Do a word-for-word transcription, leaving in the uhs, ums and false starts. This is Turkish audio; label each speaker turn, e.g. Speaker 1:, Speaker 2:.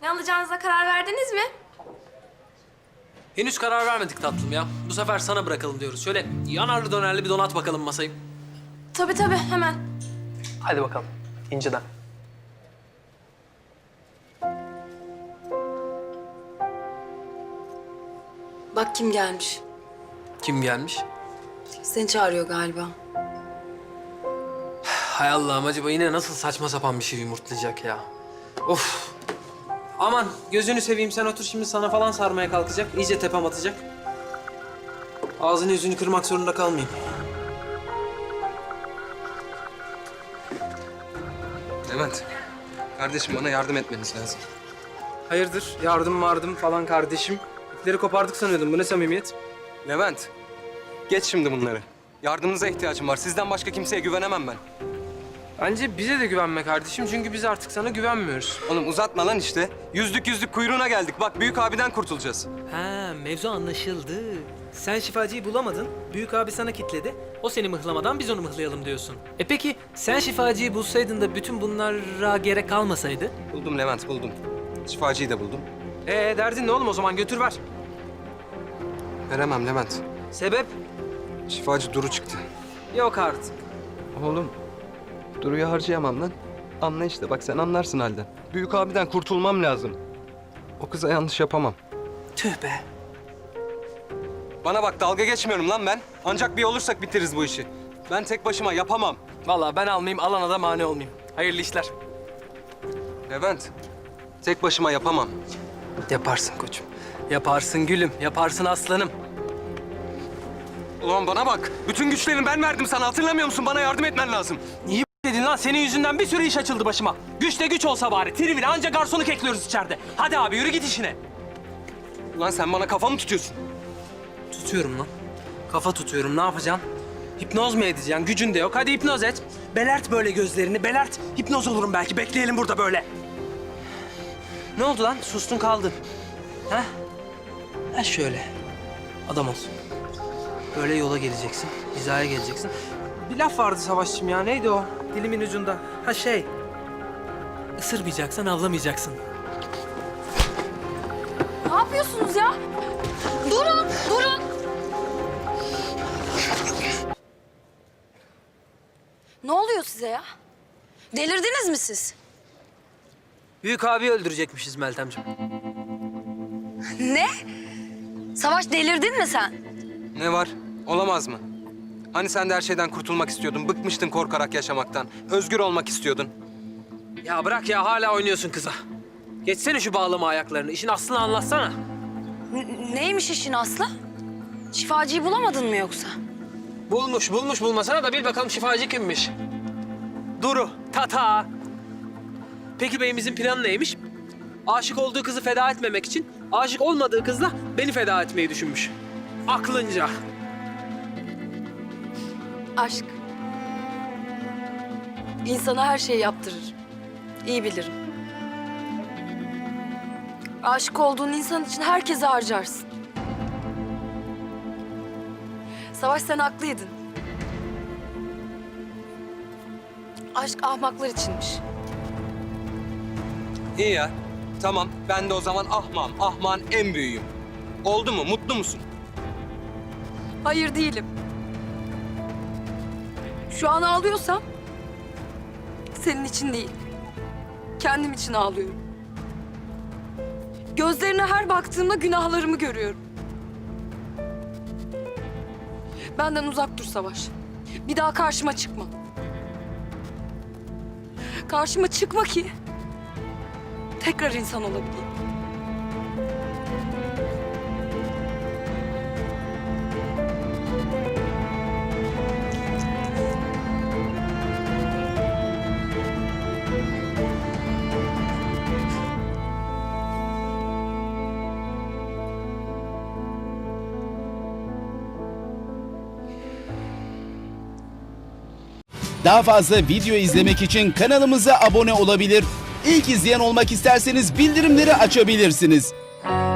Speaker 1: Ne alacağınıza karar verdiniz mi?
Speaker 2: Henüz karar vermedik tatlım ya. Bu sefer sana bırakalım diyoruz. Şöyle yanarlı dönerli bir donat bakalım masayı.
Speaker 1: Tabii tabii, hemen.
Speaker 2: Hadi bakalım. İnceden.
Speaker 3: Bak kim gelmiş.
Speaker 2: Kim gelmiş?
Speaker 3: Seni çağırıyor galiba.
Speaker 2: Hay Allah'ım, acaba yine nasıl saçma sapan bir şey yumurtlayacak ya. Of. Aman gözünü seveyim, sen otur şimdi, sana falan sarmaya kalkacak. İyice tepem atacak. Ağzını yüzünü kırmak zorunda kalmayayım.
Speaker 4: Levent, kardeşim bana yardım etmeniz lazım.
Speaker 5: Hayırdır? Yardım vardım falan kardeşim. İpleri kopardık sanıyordum. Bu ne samimiyet?
Speaker 4: Levent, geç şimdi bunları. Yardımınıza ihtiyacım var. Sizden başka kimseye güvenemem ben.
Speaker 5: Bence bize de güvenme kardeşim. Çünkü biz artık sana güvenmiyoruz.
Speaker 4: Oğlum uzatma lan işte. Yüzlük yüzlük kuyruğuna geldik. Bak büyük abiden kurtulacağız.
Speaker 6: Ha, mevzu anlaşıldı. Sen şifacıyı bulamadın, büyük abi sana kitledi. O seni mıhlamadan biz onu mıhlayalım diyorsun. E peki sen şifacıyı bulsaydın da bütün bunlara gerek kalmasaydı?
Speaker 4: Buldum Levent, buldum. Şifacıyı da buldum.
Speaker 5: Ee derdin ne oğlum, o zaman götür ver.
Speaker 4: Veremem Levent.
Speaker 5: Sebep?
Speaker 4: Şifacı Duru çıktı.
Speaker 5: Yok artık.
Speaker 4: Oğlum, Duru'yu harcayamam lan. Anla işte, bak sen anlarsın halden. Büyük abiden kurtulmam lazım. O kıza yanlış yapamam.
Speaker 5: Tüh be.
Speaker 4: Bana bak, dalga geçmiyorum lan ben. Ancak bir olursak bitiririz bu işi. Ben tek başıma yapamam.
Speaker 2: Vallahi ben almayayım, alana da mani olmayayım. Hayırlı işler.
Speaker 4: Levent, tek başıma yapamam.
Speaker 2: Yaparsın koçum. Yaparsın gülüm, yaparsın aslanım.
Speaker 4: Ulan bana bak, bütün güçlerimi ben verdim sana. Hatırlamıyor musun? Bana yardım etmen lazım.
Speaker 2: İyi dedin lan, senin yüzünden bir sürü iş açıldı başıma. Güç de güç olsa bari, trivile anca garsonu kekliyoruz içeride. Hadi abi yürü git işine.
Speaker 4: Ulan sen bana kafa mı tutuyorsun?
Speaker 2: Tutuyorum lan. Kafa tutuyorum, ne yapacaksın? Hipnoz mu edeceksin? Gücün de yok. Hadi hipnoz et. Belert böyle gözlerini, belert. Hipnoz olurum belki. Bekleyelim burada böyle. Ne oldu lan? Sustun kaldın. Ha? Ha şöyle. Adam ol. Böyle yola geleceksin. Hizaya geleceksin.
Speaker 5: Bir laf vardı Savaşçım ya. Neydi o?
Speaker 6: Dilimin ucunda. Ha şey, ısırmayacaksan avlamayacaksın.
Speaker 1: Ne yapıyorsunuz ya? Durun, durun. Ne oluyor size ya? Delirdiniz mi siz?
Speaker 2: Büyük abi öldürecekmişiz Meltemciğim.
Speaker 1: Ne? Savaş, delirdin mi sen?
Speaker 4: Ne var? Olamaz mı? Hani sen de her şeyden kurtulmak istiyordun, bıkmıştın korkarak yaşamaktan. Özgür olmak istiyordun.
Speaker 2: Ya bırak ya, hala oynuyorsun kıza. Geçsene şu bağlama ayaklarını. İşin aslını anlatsana.
Speaker 1: N- neymiş işin aslı? Şifacıyı bulamadın mı yoksa?
Speaker 2: Bulmuş, bulmuş bulmasana da bil bakalım şifacı kimmiş. Duru, tata. Peki beyimizin planı neymiş? Aşık olduğu kızı feda etmemek için aşık olmadığı kızla beni feda etmeyi düşünmüş. Aklınca.
Speaker 3: Aşk. İnsana her şeyi yaptırır. İyi bilirim. Aşık olduğun insan için herkese harcarsın. Savaş, sen haklıydın. Aşk ahmaklar içinmiş.
Speaker 4: İyi ya. Tamam, ben de o zaman ahmağım. Ahmağın en büyüğüyüm. Oldu mu? Mutlu musun?
Speaker 3: Hayır, değilim. Şu an ağlıyorsam senin için değil, kendim için ağlıyorum. Gözlerine her baktığımda günahlarımı görüyorum. Benden uzak dur Savaş. Bir daha karşıma çıkma. Karşıma çıkma ki tekrar insan olabileyim.
Speaker 7: Daha fazla video izlemek için kanalımıza abone olabilir. İlk izleyen olmak isterseniz bildirimleri açabilirsiniz.